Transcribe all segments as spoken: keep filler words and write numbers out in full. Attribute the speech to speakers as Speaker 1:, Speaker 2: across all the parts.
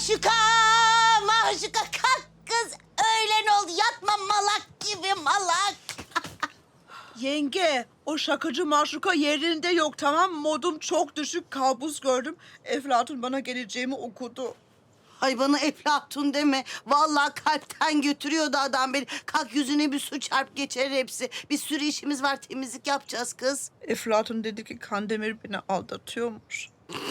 Speaker 1: Maşuka! Maşuka kalk kız. Öğlen oldu. Yatma malak gibi malak.
Speaker 2: Yenge, o şakacı maşuka yerinde yok, tamam mı? Modum çok düşük, kabus gördüm. Eflatun bana geleceğimi okudu.
Speaker 1: Ay bana Eflatun deme. Vallahi kalpten götürüyordu adam beni. Kalk yüzüne bir su çarp geçer hepsi. Bir sürü işimiz var, temizlik yapacağız kız.
Speaker 2: Eflatun dedi ki Kandemir beni aldatıyormuş.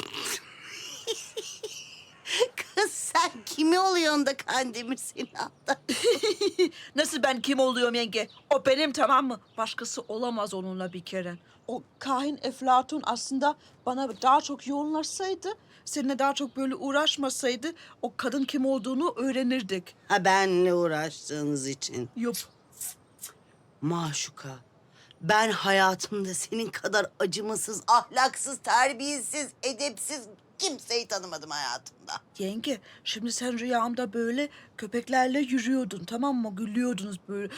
Speaker 1: Kız sen kimi oluyorsun da Kandemir seni aldı?
Speaker 2: Nasıl ben kim oluyorum yenge? O benim, tamam mı? Başkası olamaz onunla bir kere. O kahin Eflatun aslında bana daha çok yoğunlaşsaydı, seninle daha çok böyle uğraşmasaydı o kadın kim olduğunu öğrenirdik.
Speaker 1: Ha benle uğraştığınız için.
Speaker 2: Yup.
Speaker 1: Maşuka, ben hayatımda senin kadar acımasız, ahlaksız, terbiyesiz, edepsiz kimseyi tanımadım hayatımda.
Speaker 2: Yenge, şimdi sen rüyamda böyle köpeklerle yürüyordun, tamam mı? Gülüyordunuz böyle.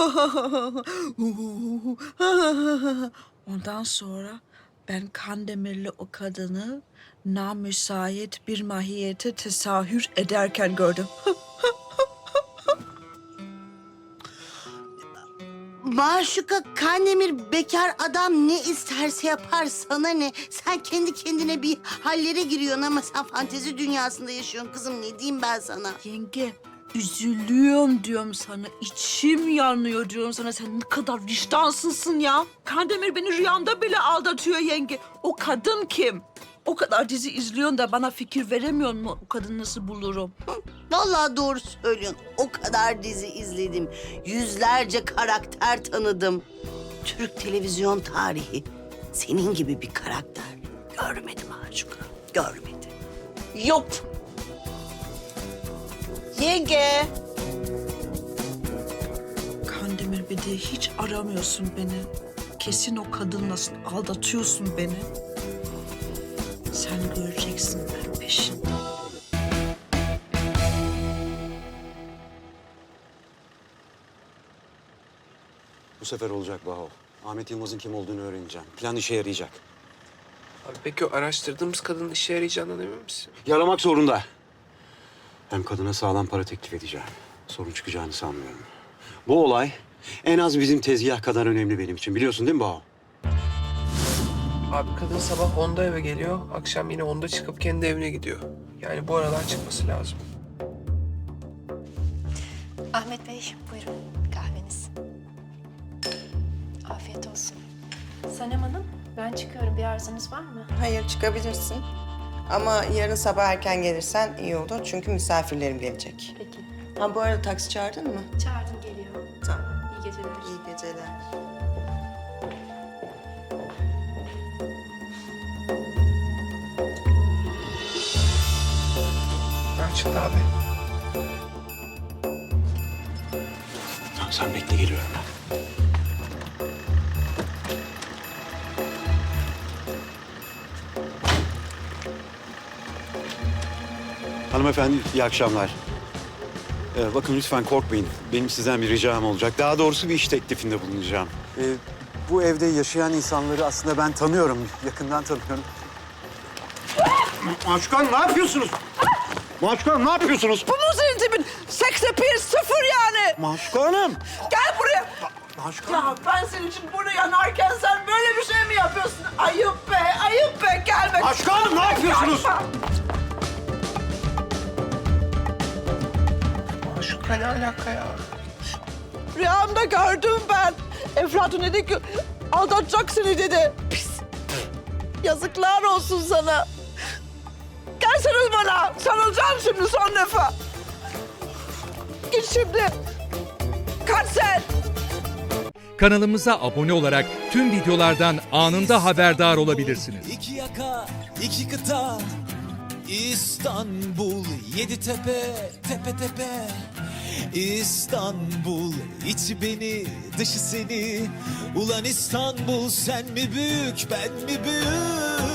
Speaker 2: Ondan sonra ben Kandemir'le o kadını namüsait bir mahiyete tesahür ederken gördüm.
Speaker 1: Maşuka, Kandemir bekar adam ne isterse yapar, sana ne? Sen kendi kendine bir hallere giriyorsun ama sen fantezi dünyasında yaşıyorsun kızım. Ne diyeyim ben sana?
Speaker 2: Yenge, üzülüyorum diyorum sana. İçim yanıyor diyorum sana. Sen ne kadar vicdansızsın ya. Kandemir beni rüyamda bile aldatıyor yenge. O kadın kim? O kadar dizi izliyorsun da bana fikir veremiyor mu? O kadını nasıl bulurum?
Speaker 1: Vallahi doğru söylüyorsun. O kadar dizi izledim. Yüzlerce karakter tanıdım. Türk televizyon tarihi senin gibi bir karakter görmedim Maşuka. Görmedim.
Speaker 2: Yok. Yenge. Kandemir bir de hiç aramıyorsun beni. Kesin o kadınla aldatıyorsun beni. Sen göreceksin ben peşinde.
Speaker 3: Bu sefer olacak Baho. Ahmet Yılmaz'ın kim olduğunu öğreneceğim. Plan işe yarayacak.
Speaker 4: Abi peki o araştırdığımız kadının işe yarayacağından emin misin?
Speaker 3: Yaramak zorunda. Hem kadına sağlam para teklif edeceğim. Sorun çıkacağını sanmıyorum. Bu olay en az bizim tezgah kadar önemli benim için. Biliyorsun değil mi Baho?
Speaker 4: Abi kadın sabah onda eve geliyor, akşam yine onda çıkıp kendi evine gidiyor. Yani bu aralar çıkması lazım.
Speaker 5: Ahmet Bey, buyurun kahveniz. Afiyet olsun. Sanem Hanım, ben çıkıyorum. Bir arzunuz var mı?
Speaker 6: Hayır, çıkabilirsin. Ama yarın sabah erken gelirsen iyi olur. Çünkü misafirlerim gelecek.
Speaker 5: Peki.
Speaker 6: Ha bu arada taksi çağırdın mı?
Speaker 5: Çağırdım, geliyor.
Speaker 6: Tamam.
Speaker 5: İyi geceler.
Speaker 6: İyi geceler.
Speaker 4: Açıldı abi.
Speaker 3: Tamam sen bekle geliyorum ben. Hanımefendi iyi akşamlar. Ee, bakın lütfen korkmayın. Benim sizden bir ricam olacak. Daha doğrusu bir iş teklifinde bulunacağım. Ee, bu evde yaşayan insanları aslında ben tanıyorum. Yakından tanıyorum. Maşuka Hanım ne yapıyorsunuz? Maşuka Hanım ne yapıyorsunuz?
Speaker 2: Bu mu senin tipin? Sekse bir sıfır yani.
Speaker 3: Maşuka Hanım!
Speaker 2: Gel buraya.
Speaker 3: Maşuka
Speaker 2: Ya ben senin için burada yanarken sen böyle bir şey mi yapıyorsun? Ayıp be, ayıp be. Gelme.
Speaker 3: Maşuka Hanım ne yapıyorsunuz?
Speaker 4: Maşuka ne alaka ya?
Speaker 2: Rüyamda gördüm ben. Eflatun dedi ki aldatacak seni dedi. Pis. Yazıklar olsun sana. Gelsene bana. Sarılacağım şimdi son defa. Git şimdi. Kaç sen.
Speaker 7: Kanalımıza abone olarak tüm videolardan anında haberdar olabilirsiniz.
Speaker 8: İki yaka, iki kıta, İstanbul, yedi tepe, tepe tepe. İstanbul, içi beni, dışı seni. Ulan İstanbul, sen mi büyük, ben mi büyük?